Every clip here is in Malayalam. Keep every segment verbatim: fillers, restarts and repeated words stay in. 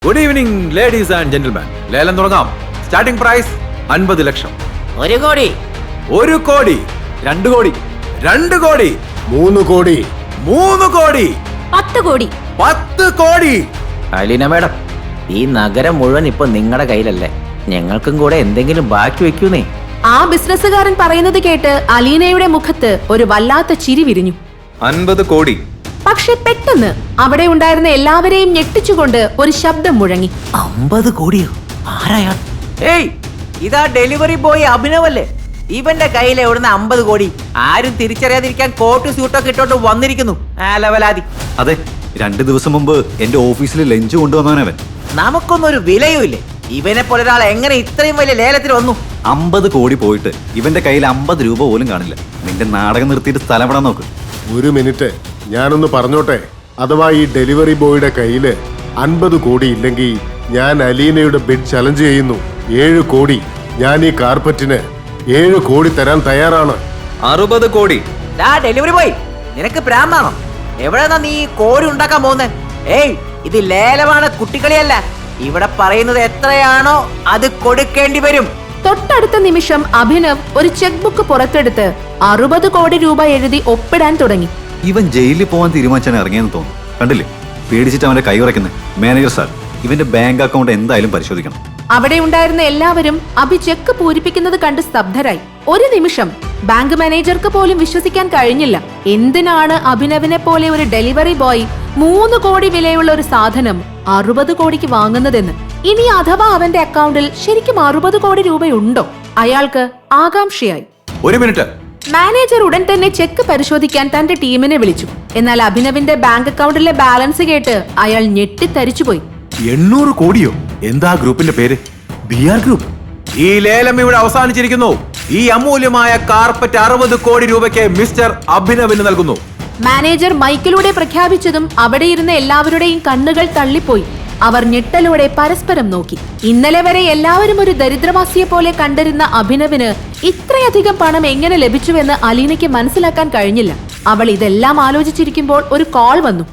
Good evening ladies and gentleman. ലേലം തുടങ്ങാം. സ്റ്റാർട്ടിംഗ് പ്രൈസ് അൻപത് ലക്ഷം. ഒരു കോടി. ഒരു കോടി. രണ്ട് കോടി. രണ്ട് കോടി. മൂന്ന് കോടി. മൂന്ന് കോടി. പത്ത് കോടി. പത്ത് കോടി. അലീന മേഡം, ഈ നഗരം മുഴുവൻ ഇപ്പൊ നിങ്ങളുടെ കയ്യിലല്ലേ? ഞങ്ങൾക്കും കൂടെ എന്തെങ്കിലും ബാക്കി വെക്കൂന്നേ. ആ ബിസിനസ്സുകാരൻ പറയുന്നത് കേട്ട് അലീനയുടെ മുഖത്ത് ഒരു വല്ലാത്ത ചിരി വിരിഞ്ഞു. അൻപത് കോടി. പക്ഷെ പെട്ടെന്ന് അവിടെ ഉണ്ടായിരുന്ന എല്ലാവരെയും ഞെട്ടിച്ചുകൊണ്ട് ഒരു ശബ്ദം മുഴങ്ങി. അമ്പത് കോടിയോ? ആരായാ? ഏയ്, ഇതാ ഡെലിവറി ബോയ് അഭിനവല്ലേ? ഇവന്റെ കയ്യിൽ എവിടുന്ന അമ്പത് കോടി? ആരും തിരിച്ചറിയാതിരിക്കാൻ കോട്ട് സ്യൂട്ടൊക്കെ ഇട്ടോട്ട് വന്നിരിക്കുന്നു. ആ ലവലാതി. അതെ, രണ്ടു ദിവസം മുമ്പ് എന്റെ ഓഫീസിൽ ലഞ്ച് കൊണ്ടുവന്നവനവൻ. നമുക്കൊന്നും ഒരു വിലയും ഇല്ലേ? ഇവനെ പോലെ ഒരാൾ എങ്ങനെ ഇത്രയും വലിയ ലേലത്തിൽ വന്നു? അമ്പത് കോടി പോയിട്ട് ഇവന്റെ കയ്യിൽ അമ്പത് രൂപ പോലും കാണില്ല. നിന്റെ നാടകം നിർത്തിയിട്ട് സ്ഥലം വിടാൻ നോക്ക്. ഒരു മിനിറ്റ്, ഞാനൊന്ന് പറഞ്ഞോട്ടെ. അഥവാ ഈ ഡെലിവറി ബോയുടെ കയ്യില് അൻപത് കോടി ഇല്ലെങ്കിൽ ഞാൻ അലീനയുടെ ബിഡ് ചലഞ്ച് ചെയ്യുന്നു. ഏഴ് കോടി. ഞാൻ ഈ കാർപ്പറ്റിന് ഏഴ് കോടി തരാൻ തയ്യാറാണ്. അറുപത് കോടി. ഡെലിവറി ബോയ്, നിനക്ക് പ്രാന്താണോ? എവിടെന്നാ നീ കോടി ഉണ്ടാക്കാൻ പോകുന്നത്? ഏയ്, ഇത് ലേലമാണ്, കുട്ടികളിയല്ല. ഇവിടെ പറയുന്നത് എത്രയാണോ അത് കൊടുക്കേണ്ടി വരും. തൊട്ടടുത്ത നിമിഷം അഭിനവ് ഒരു ചെക്ക് ബുക്ക് പുറത്തെടുത്ത് അറുപത് കോടി രൂപ എഴുതി ഒപ്പിടാൻ തുടങ്ങി. ഇവൻ ജയിലിൽ പോകാൻ തീരുമാനിച്ചാണ് ഇറങ്ങിയെന്ന് തോന്നുന്നു. കണ്ടില്ലേ, പേടിച്ചിട്ട് അവന്റെ കൈ ഉറയ്ക്കുന്നത്. മാനേജർ സാർ, ഇവന്റെ ബാങ്ക് അക്കൗണ്ട് എന്തായാലും പരിശോധിക്കണം. അവിടെ ഉണ്ടായിരുന്ന എല്ലാവരും അഭി ചെക്ക് പൂരിപ്പിക്കുന്നത് കണ്ട് സ്തബ്ധരായി. ഒരു നിമിഷം ബാങ്ക് മാനേജർക്ക് പോലും വിശ്വസിക്കാൻ കഴിഞ്ഞില്ല. എന്തിനാണ് അഭിനവിനെ പോലെ ഒരു ഡെലിവറി ബോയ് മൂന്ന് കോടി വിലയുള്ള ഒരു സാധനം അറുപത് കോടിക്ക് വാങ്ങുന്നതെന്ന്. ഇനി അഥവാ അവന്റെ അക്കൗണ്ടിൽ ശരിക്കും അറുപത് കോടി രൂപയുണ്ടോ? അയാൾക്ക് ആകാംക്ഷയായി. ഒരു മിനിറ്റ്. മാനേജർ ഉടൻ തന്നെ ചെക്ക് പരിശോധിക്കാൻ തന്റെ ടീമിനെ വിളിച്ചു. എന്നാൽ അഭിനവിന്റെ ബാങ്ക് അക്കൗണ്ടിലെ ബാലൻസ് കേട്ട് അയാൾ ഞെട്ടിത്തരിച്ചുപോയി. എണ്ണൂറ് കോടിയോ? എന്താ ഗ്രൂപ്പിന്റെ പേര്? B R group. ഈ ലേലം ഇവിടെ അവസാനിച്ചിരിക്കുന്നു. ഈ അമൂല്യമായ കാർപ്പറ്റ് അറുപത് കോടി രൂപയ്ക്ക് മിസ്റ്റർ അഭിനവിന് നൽകുന്നു. മാനേജർ മൈക്കിലൂടെ പ്രഖ്യാപിച്ചതും അവിടെ ഇരുന്ന എല്ലാവരുടെയും കണ്ണുകൾ തള്ളിപ്പോയി. അവർ ഞെട്ടലോടെ പരസ്പരം നോക്കി. ഇന്നലെ വരെ എല്ലാവരും ഒരു ദരിദ്രവാസിയെ പോലെ കണ്ടിരുന്ന അഭിനവിന് ഇത്രയധികം പണം എങ്ങനെ ലഭിച്ചുവെന്ന് അലീനയ്ക്ക് മനസ്സിലാക്കാൻ കഴിഞ്ഞില്ല. അവൾ ഇതെല്ലാം ആലോചിച്ചിരിക്കുമ്പോൾ ഒരു കോൾ വന്നു.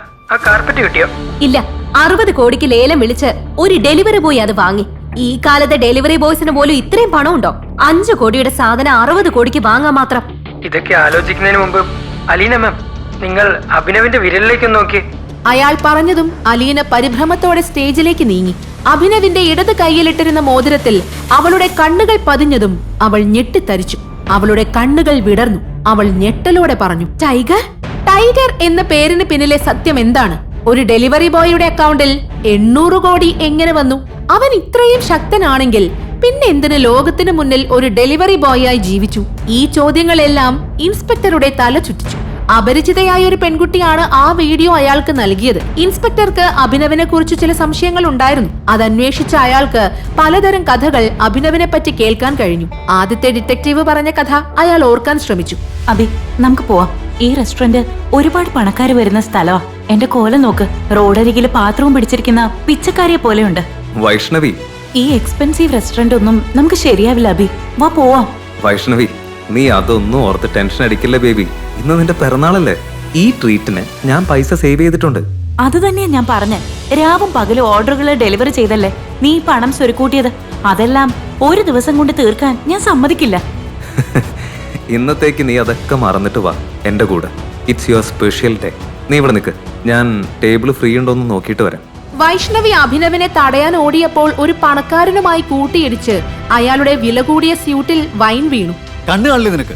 ഇല്ല, അറുപത് കോടിക്ക് ലേലം വിളിച്ച് ഒരു ഡെലിവറി ബോയ് അത് വാങ്ങി. ഈ കാലത്തെ ഡെലിവറി ബോയ്സിന് പോലും ഇത്രയും പണം ഉണ്ടോ? അഞ്ചു കോടിയുടെ സാധനം അറുപത് കോടിക്ക് വാങ്ങാൻ മാത്രം. ഇതൊക്കെ ആലോചിക്കുന്നതിന് മുമ്പ് അലീന മാം, നിങ്ങൾ അഭിനവിന്റെ വിരലിലേക്ക് നോക്കി. അയാൾ പറഞ്ഞതും അലീന പരിഭ്രമത്തോടെ സ്റ്റേജിലേക്ക് നീങ്ങി. അഭിനവിന്റെ ഇടത് കൈയിലിട്ടിരുന്ന മോതിരത്തിൽ അവളുടെ കണ്ണുകൾ പതിഞ്ഞതും അവൾ ഞെട്ടിത്തരിച്ചു. അവളുടെ കണ്ണുകൾ വിടർന്നു. അവൾ ഞെട്ടലോടെ പറഞ്ഞു, ടൈഗർ. ടൈഗർ എന്ന പേരിന് പിന്നിലെ സത്യം എന്താണ്? ഒരു ഡെലിവറി ബോയുടെ അക്കൗണ്ടിൽ എണ്ണൂറ് കോടി എങ്ങനെ വന്നു? അവൻ ഇത്രയും ശക്തനാണെങ്കിൽ പിന്നെ എന്തിന് ലോകത്തിന് മുന്നിൽ ഒരു ഡെലിവറി ബോയായി ജീവിച്ചു? ഈ ചോദ്യങ്ങളെല്ലാം ഇൻസ്പെക്ടറുടെ തല ചുറ്റിച്ചു. അപരിചിതയായ ഒരു പെൺകുട്ടിയാണ് ആ വീഡിയോ അയാൾക്ക് നൽകിയത്. ഇൻസ്പെക്ടർക്ക് അഭിനവിനെ കുറിച്ച് ചില സംശയങ്ങൾ ഉണ്ടായിരുന്നു. അത് അന്വേഷിച്ച അയാൾക്ക് പലതരം കഥകൾ അഭിനവിനെ പറ്റി കേൾക്കാൻ കഴിഞ്ഞു. ആദ്യത്തെ ഡിറ്റക്റ്റീവ് പറഞ്ഞ കഥ അയാൾ ഓർക്കാൻ ശ്രമിച്ചു. അഭി, നമുക്ക് പോവാം. ഈ റെസ്റ്റോറന്റ് ഒരുപാട് പണക്കാര് വരുന്ന സ്ഥലമാ. എന്റെ കോലം നോക്ക്, റോഡരികില് പാത്രവും പിടിച്ചിരിക്കുന്ന പിച്ചക്കാരിയെ പോലെയുണ്ട്. വൈഷ്ണവി, ഈ എക്സ്പെൻസീവ് റെസ്റ്റോറന്റ് ഒന്നും നമുക്ക് ശരിയാവില്ല. അഭി, വാ പോവാം. വൈഷ്ണവി, നീ അതൊന്നും ഓർത്ത് ടെൻഷൻ അടിക്കില്ല ബേബി. ഇന്ന് നിന്റെ പിറന്നാളല്ലേ? ഈ ട്രീറ്റിന് ഞാൻ പൈസ സേവ് ചെയ്തിട്ടുണ്ട്. അത് തന്നെയാ ഞാൻ പറഞ്ഞ. രാവും പകലും ഓർഡറുകൾ ഡെലിവറി ചെയ്തല്ലേ നീ പണം സ്വരുക്കൂട്ടിയത്. അതെല്ലാം ഒരു ദിവസം കൊണ്ട് തീർക്കാൻ ഞാൻ സമ്മതിക്കില്ല. ഇന്നത്തേക്ക് നീ അതൊക്കെ മറന്നിട്ട് വാ എന്റെ കൂടെ. It's your special day. നീ ഇവിടെ നിൽക്ക്, ഞാൻ ടേബിൾ ഫ്രീ ഉണ്ടോന്ന് നോക്കിയിട്ട് വരാം. വൈഷ്ണവി അഭിനവിനെ തടയാൻ ഓടിയപ്പോൾ ഒരു പണക്കാരനുമായി കൂട്ടിയിടിച്ച് അയാളുടെ വില കൂടിയ സ്യൂട്ടിൽ വൈൻ വീണു. കണ്ണു കാണില്ലേ നിനക്ക്?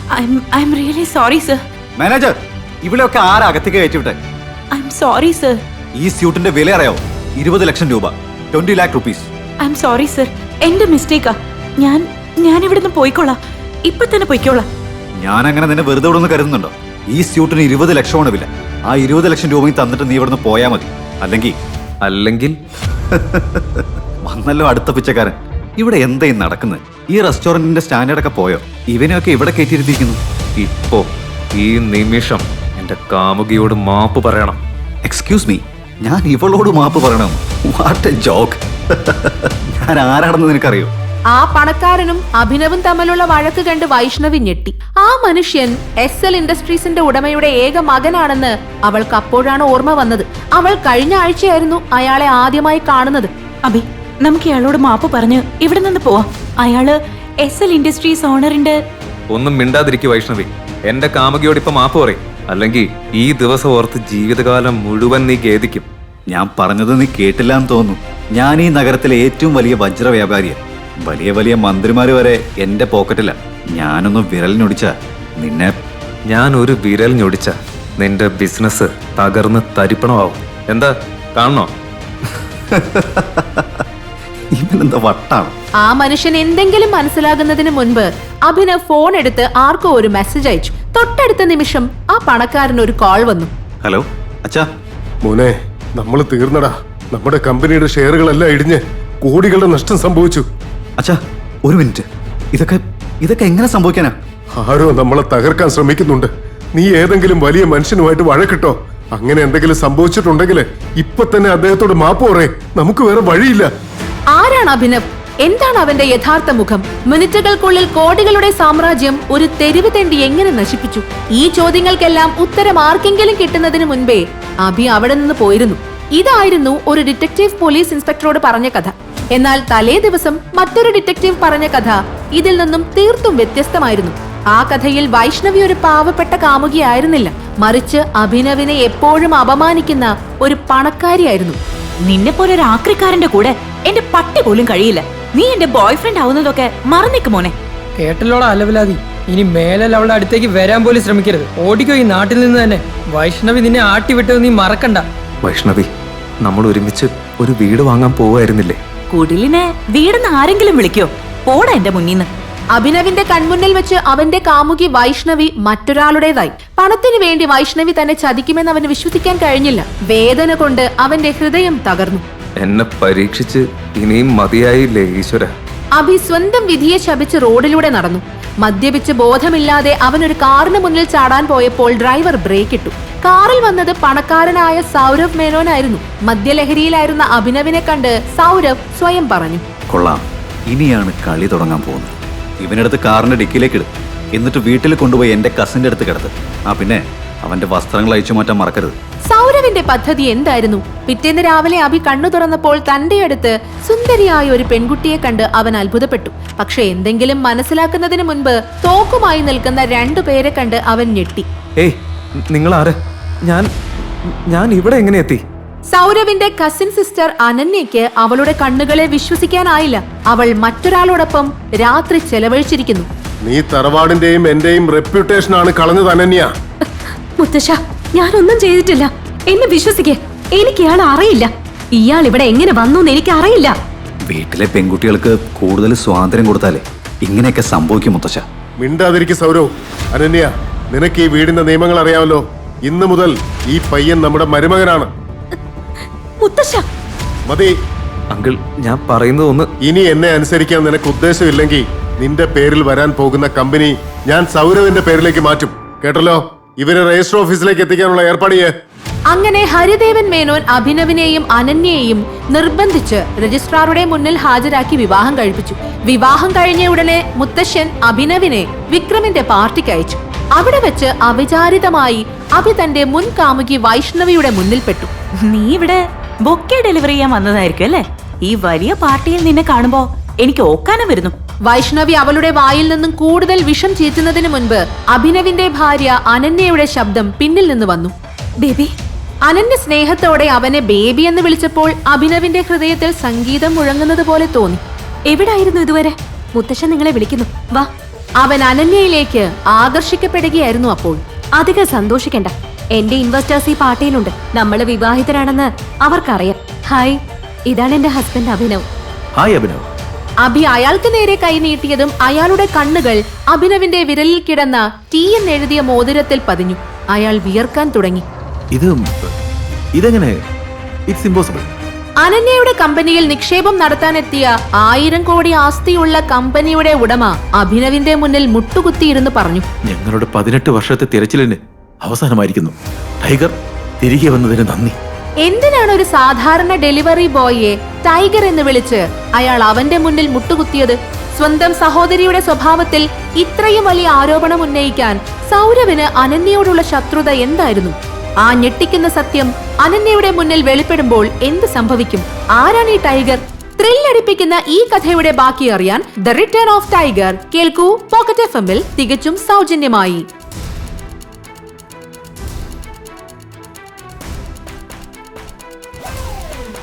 I'm really sorry sir. Manager, ഇവിടെയൊക്കെ ആരാ അകത്തേക്ക് കയറ്റിവിട്ടെ? I'm sorry sir. ഈ സ്യൂട്ടിന്റെ വില അറിയാവോ? ഇരുപത് ലക്ഷം രൂപ. Twenty lakh rupees. I'm sorry sir. എന്റെ മിസ്റ്റേക്കാ. ഞാൻ ഞാൻ ഇവിടുന്ന് പോയിക്കോളാം. ഇപ്പൊ തന്നെ പോയിക്കോളാം. ഞാൻ അങ്ങനെ നിന്നെ വെറുതെ ഇവിടെ നിന്ന് കരുതുന്നുണ്ടോ? ഈ സ്യൂട്ടിന് ഇരുപത് ലക്ഷമാണ് വില. ആ ഇരുപത് ലക്ഷം രൂപയും തന്നിട്ട് നീ ഇവിടുന്ന് പോയാ മതി. അല്ലെങ്കിൽ അല്ലെങ്കിൽ വന്നല്ലോ അടുത്ത പിച്ചക്കാരൻ. ഇവിടെ എന്തായി നടക്കുന്നത്? ഈ റെസ്റ്റോറന്റിന്റെ സ്റ്റാൻഡേർഡ് ഒക്കെ പോയോ? ഇവനെയൊക്കെ ഇവിടെ കയറ്റിയിരുത്തിയിരിക്കുന്നു. ഇപ്പോ ഈ നിമിഷം എന്റെ കാമുകിയോട് മാപ്പ് പറയണം. എക്സ്ക്യൂസ് മീ, ഞാൻ ഇവളോട് മാപ്പ് പറയണം? What a joke. ഞാൻ ആരാണെന്ന് നിനക്കറിയോ? ആ പണക്കാരനും അഭിനവും തമ്മിലുള്ള വഴക്ക് കണ്ട് വൈഷ്ണവി ഞെട്ടി. ആ മനുഷ്യൻ എസ് എൽ ഇൻഡസ്ട്രീസിന്റെ ഉടമയുടെ ഏക മകനാണെന്ന് അവൾക്ക് അപ്പോഴാണ് ഓർമ്മ വന്നത്. അവൾ കഴിഞ്ഞ ആഴ്ചയായിരുന്നു അയാളെ ആദ്യമായി കാണുന്നത്. അബി, നമുക്ക് ഇയാളോട് മാപ്പ് പറഞ്ഞ് ഇവിടെ നിന്ന് പോവാം. അയാള് എസ് എൽ ഇൻഡസ്ട്രീസ് ഓണറിന്റെ. ഒന്നും മിണ്ടാതിരിക്കു വൈഷ്ണവി. എന്റെ കാമുകിയോട് ഇപ്പൊ മാപ്പ് പറയും, അല്ലെങ്കിൽ ഈ ദിവസം ഓർത്ത് ജീവിതകാലം മുഴുവൻ നീ ഖേദിക്കും. ഞാൻ പറഞ്ഞത് നീ കേട്ടില്ല എന്ന് തോന്നുന്നു. ഞാൻ ഈ നഗരത്തിലെ ഏറ്റവും വലിയ വജ്ര വ്യാപാരിയാണ്. വലിയ വലിയ മന്ത്രിമാര് വരെ എന്റെ പോക്കറ്റില. ഞാനൊന്ന് വിരലിനൊടിച്ച നിന്നെ. ഞാൻ ഒരു വിരൽ ഞൊടിച്ച നിന്റെ ബിസിനസ് തകർന്ന് തരിപ്പണമാവും. എന്താ കാണണോ? ഇവനെന്താ വട്ടാണ്? ആ മനുഷ്യൻ എന്തെങ്കിലും മനസ്സിലാകുന്നതിന് മുൻപ് അഭിനവ് ഫോൺ എടുത്ത് ആർക്കോ ഒരു മെസ്സേജ് അയച്ചു. തൊട്ടടുത്ത നിമിഷം ആ പണക്കാരന് ഒരു കോൾ വന്നു. ഹലോ അച്ഛാ. മോനെ, നമ്മൾ തീർന്നടാ. നമ്മുടെ കമ്പനിയുടെ ഷെയറുകളെല്ലാം ഇടിഞ്ഞ് കോടികളുടെ നഷ്ടം സംഭവിച്ചു. അച്ഛാ ഒരു മിനിറ്റ്. ഇതൊക്കെ ഇതൊക്കെ എങ്ങനെ സംഭവിക്കാനാ? ആരോ നമ്മളെ തകർക്കാൻ ശ്രമിക്കുന്നുണ്ട്. നീ ഏതെങ്കിലും വലിയ മനുഷ്യനുമായിട്ട് വഴക്കിട്ടോ. അങ്ങനെ എന്തെങ്കിലും സംഭവിച്ചിട്ടുണ്ടെങ്കിൽ ഇപ്പൊ തന്നെ അദ്ദേഹത്തോട് മാപ്പ് പറയേ. നമുക്ക് വേറെ വഴിയില്ല. ആരാണ് അഭിനവ്? എന്താണ് അവന്റെ യഥാർത്ഥ മുഖം? മിനിറ്റുകൾക്കുള്ളിൽ കോടികളുടെ സാമ്രാജ്യം ഒരു തെരുവ് തെണ്ടി എങ്ങനെ നശിപ്പിച്ചു? ഈ ചോദ്യങ്ങൾക്കെല്ലാം ഉത്തരം ആർക്കെങ്കിലും കിട്ടുന്നതിന് മുൻപേ അഭി അവിടെ നിന്ന് പോയിരുന്നു. ഇതായിരുന്നു ഒരു ഡിറ്റക്റ്റീവ് പോലീസ് ഇൻസ്പെക്ടറോട് പറഞ്ഞ കഥ. എന്നാൽ തലേ ദിവസം മറ്റൊരു ഡിറ്റക്റ്റീവ് പറഞ്ഞ കഥ ഇതിൽ നിന്നും തീർത്തും വ്യത്യസ്തമായിരുന്നു. ആ കഥയിൽ വൈഷ്ണവി ഒരു പാവപ്പെട്ട കാമുകിയായിരുന്നില്ല, മറിച്ച് അഭിനവിനെ എപ്പോഴും അപമാനിക്കുന്ന ഒരു പണക്കാരിയായിരുന്നു. നിന്നെ പോലെ ഒരു ആക്രിക്കാരന്റെ കൂടെ എന്റെ പട്ടി പോലും കഴിയില്ല. നീ എന്റെ ബോയ് ഫ്രണ്ട് ആവുന്നതൊക്കെ മറന്നേക്ക് മോനെ. കേട്ടല്ലോടാ അലവലാതി. ഇനി മേലൽ അവളുടെ അടുത്തേക്ക് വരാൻ പോലും ശ്രമിക്കരുത്. ഓടിക്കോ ഈ നാട്ടിൽ നിന്ന് തന്നെ. വൈഷ്ണവി നിന്നെ ആട്ടി വിട്ടത് നീ മറക്കണ്ട. വൈഷ്ണവി, നമ്മൾ ഒരുമിച്ച് ഒരു വീട് വാങ്ങാൻ പോവായിരുന്നില്ലേ? കുടിലിനെ വീടെന്ന് ആരെങ്കിലും വിളിക്കോ? പോടാ എന്റെ മുന്നിന്ന്. അഭിനവിന്റെ കൺമുന്നിൽ വെച്ച് അവന്റെ കാമുകി വൈഷ്ണവി മറ്റൊരാളുടേതായി. പണത്തിനു വേണ്ടി വൈഷ്ണവി തന്നെ ചതിക്കുമെന്ന് അവന് വിശ്വസിക്കാൻ കഴിഞ്ഞില്ല. വേദന കൊണ്ട് അവന്റെ ഹൃദയം തകർന്നു. എന്നെ പരീക്ഷിച്ച് ഇനിയും മതിയായില്ലേ ഈശ്വര? അഭി സ്വന്തം വിധിയെ ശപിച്ച് റോഡിലൂടെ നടന്നു. മദ്യപിച്ച് ബോധമില്ലാതെ അവനൊരു കാറിന് മുന്നിൽ ചാടാൻ പോയപ്പോൾ ഡ്രൈവർ ബ്രേക്ക് ഇട്ടു. കാറിൽ വന്നത് പണക്കാരനായ സൗരവ് മേനോനായിരുന്നു. മദ്യലഹരിയിലായിരുന്ന അഭിനവിനെ കണ്ട് സൗരവ് സ്വയം പറഞ്ഞു, കൊള്ളാം, ഇനിയാണ് കളി തുടങ്ങാൻ പോകുന്നത്. ഇവനെടുത്ത് കാറിന്റെ ഡിക്കിലേക്ക് ഇടും, എന്നിട്ട് വീട്ടിൽ കൊണ്ടുപോയി എന്റെ കസിന്റെ അടുത്ത് കിടത്ത്. ആ പിന്നെ അവന്റെ വസ്ത്രങ്ങൾ അയച്ചു മാറ്റാൻ മറക്കരുത്. സൗരവിന്റെ പദ്ധതി എന്തായിരുന്നു? പിറ്റേന്ന് രാവിലെ അഭി കണ്ണു തുറന്നപ്പോൾ തന്റെ അടുത്ത് സുന്ദരിയായ ഒരു പെൺകുട്ടിയെ കണ്ട് അവൻ അത്ഭുതപ്പെട്ടു. പക്ഷെ എന്തെങ്കിലും മനസ്സിലാക്കുന്നതിന് മുൻപ് തോക്കുമായി നിൽക്കുന്ന രണ്ടു പേരെ കണ്ട് അവൻ ഞെട്ടി. ഏയ്, നിങ്ങൾ ആര്? ഞാൻ ഞാൻ ഇവിടെ എങ്ങനെ എത്തി? സൗരവിന്റെ കസിൻ സിസ്റ്റർ അനന്യയ്ക്ക് അവളുടെ കണ്ണുകളെ വിശ്വസിക്കാനായില്ല. അവൾ മറ്റൊരാളോടൊപ്പം രാത്രി ചെലവഴിച്ചിരിക്കുന്നു. നീ തറവാടിന്റെയും എന്റെയും റെപ്യൂട്ടേഷൻ ആണ് കളഞ്ഞത് അനന്യ. മുത്തശ്ശ, ഞാനൊന്നും ചെയ്തിട്ടില്ല. എന്നെ വിശ്വസിക്കേ. എനിക്ക് ഇയാൾ അറിയില്ല. ഇയാൾ ഇവിടെ എങ്ങനെ വന്നു എന്ന് എനിക്ക് അറിയില്ല. വീട്ടിലെ പെൺകുട്ടികൾക്ക് കൂടുതൽ സ്വാതന്ത്ര്യം കൊടുത്താലേ ഇങ്ങനെയൊക്കെ സംഭവിക്കും മുത്തശ്ശ. മിണ്ടാതിരിക്കും സൗരവ്. അനന്യ, നിനക്ക് ഈ വീടിന്റെ നിയമങ്ങൾ അറിയാമല്ലോ. ഇന്നു മുതൽ ഈ പയ്യൻ നമ്മുടെ മരുമകനാണ്. മുത്തശ്ശ, മതി. അങ്കിൾ, ഞാൻ പറയുന്നത് ഒന്ന്. ഇനി എന്നെ അനുസരിക്കാൻ നിനക്ക് ഉദ്ദേശമില്ലെങ്കിൽ നിന്റെ പേരിൽ വരാൻ പോകുന്ന കമ്പനി ഞാൻ സൗരവിന്റെ പേരിലേക്ക് മാറ്റും. കേട്ടല്ലോ? ഇവരെ രജിസ്റ്റർ ഓഫീസിലേക്ക് എത്തിക്കാനുള്ള ഏർപ്പാട് ചെയ്യേ. അങ്ങനെ ഹരിദേവൻ മേനോൻ അഭിനവിനെയും അനന്യയെയും നിർബന്ധിച്ച് രജിസ്ട്രാറുടെ മുന്നിൽ ഹാജരാക്കി വിവാഹം കഴിപ്പിച്ചു. വിവാഹം കഴിഞ്ഞ ഉടനെ മുത്തശ്ശൻ അഭിനവിനെ വിക്രമിന്റെ പാർട്ടിക്ക് അയച്ചു. അവിടെ വെച്ച് അവിചാരിതമായി അഭി തന്റെ മുൻ കാമുകി വൈഷ്ണവിയുടെ മുന്നിൽപ്പെട്ടു. നീ ഇവിടെ ബൊക്കെ ഡെലിവറി ചെയ്യാൻ വന്നതായിരിക്കും അല്ലേ? ഈ വലിയ പാർട്ടിയിൽ നിന്നെ കാണുമ്പോ എനിക്ക് ഓക്കാനം വരുന്നു. വൈഷ്ണവി അവളുടെ വായിൽ നിന്നും കൂടുതൽ വിഷം ചീറ്റുന്നതിന് മുൻപ് അഭിനവിന്റെ ഭാര്യ അനന്യയുടെ ശബ്ദം പിന്നിൽ നിന്ന് വന്നു. ബേബി. അനന്യ സ്നേഹത്തോടെ അവനെ ബേബി എന്ന് വിളിച്ചപ്പോൾ അഭിനവിന്റെ ഹൃദയത്തിൽ സംഗീതം മുഴങ്ങുന്നത് പോലെ തോന്നി. എവിടായിരുന്നു ഇതുവരെ? മുത്തശ്ശൻ നിങ്ങളെ വിളിക്കുന്നു, വാ. അവൻ അനന്യയിലേക്ക് ആകർഷിക്കപ്പെടുകയായിരുന്നു. അപ്പോൾ അധികം സന്തോഷിക്കണ്ട. എന്റെ ഇൻവെസ്റ്റേഴ്സ് ഈ പാർട്ടിയിലുണ്ട്. നമ്മള് വിവാഹിതരാണെന്ന് അവർക്കറിയാം. ഹായ്, ഇതാണ് എന്റെ ഹസ്ബൻഡ് അഭിനവ്. ഹായ് അഭിനവ്. അഭി അയാൾക്ക് നേരെ കൈ നീട്ടിയതും അയാളുടെ കണ്ണുകൾ അഭിനവിന്റെ വിരലിൽ കിടന്ന ടി എന്നെഴുതിയ മോതിരത്തിൽ പതിഞ്ഞു. അയാൾ വിയർക്കാൻ തുടങ്ങി. ഇത് ഇതെങ്ങനെ? It's impossible. അനന്യയുടെ കമ്പനിയിൽ നിക്ഷേപം നടത്താനെത്തിയ ആയിരം കോടി ആസ്തിയുള്ള കമ്പനിയുടെ ഉടമ അഭിനവിന്റെ മുന്നിൽ മുട്ടുകുത്തിയിരുന്ന് പറഞ്ഞു, ഞങ്ങളുടെ പതിനെട്ട് വർഷത്തെ തിരച്ചിലിന് അവസാനമായിരിക്കുന്നു. ടൈഗർ തിരികെ വന്നതിന് നന്ദി. എന്തിനാണ് ഒരു സാധാരണ ഡെലിവറി ബോയിയെ ടൈഗർ എന്ന് വിളിച്ച് അയാൾ അവന്റെ മുന്നിൽ മുട്ടുകുത്തിയത്? സ്വന്തം സഹോദരിയുടെ സ്വഭാവത്തിൽ ഇത്രയും വലിയ ആരോപണം ഉന്നയിക്കാൻ സൗരവിന് അനന്യയോടുള്ള ശത്രുത എന്തായിരുന്നു? ആ ഞെട്ടിക്കുന്ന സത്യം അനന്യയുടെ മുന്നിൽ വെളിപ്പെടുമ്പോൾ എന്ത് സംഭവിക്കും? ആരാണ് ഈ ടൈഗർ? ത്രില്ലടിപ്പിക്കുന്ന ഈ കഥയുടെ ബാക്കി അറിയാൻ ദ റിട്ടേൺ ഓഫ് ടൈഗർ കേൾക്കൂ പോക്കറ്റ് എഫ് എമ്മിൽ തികച്ചും സൗജന്യമായി.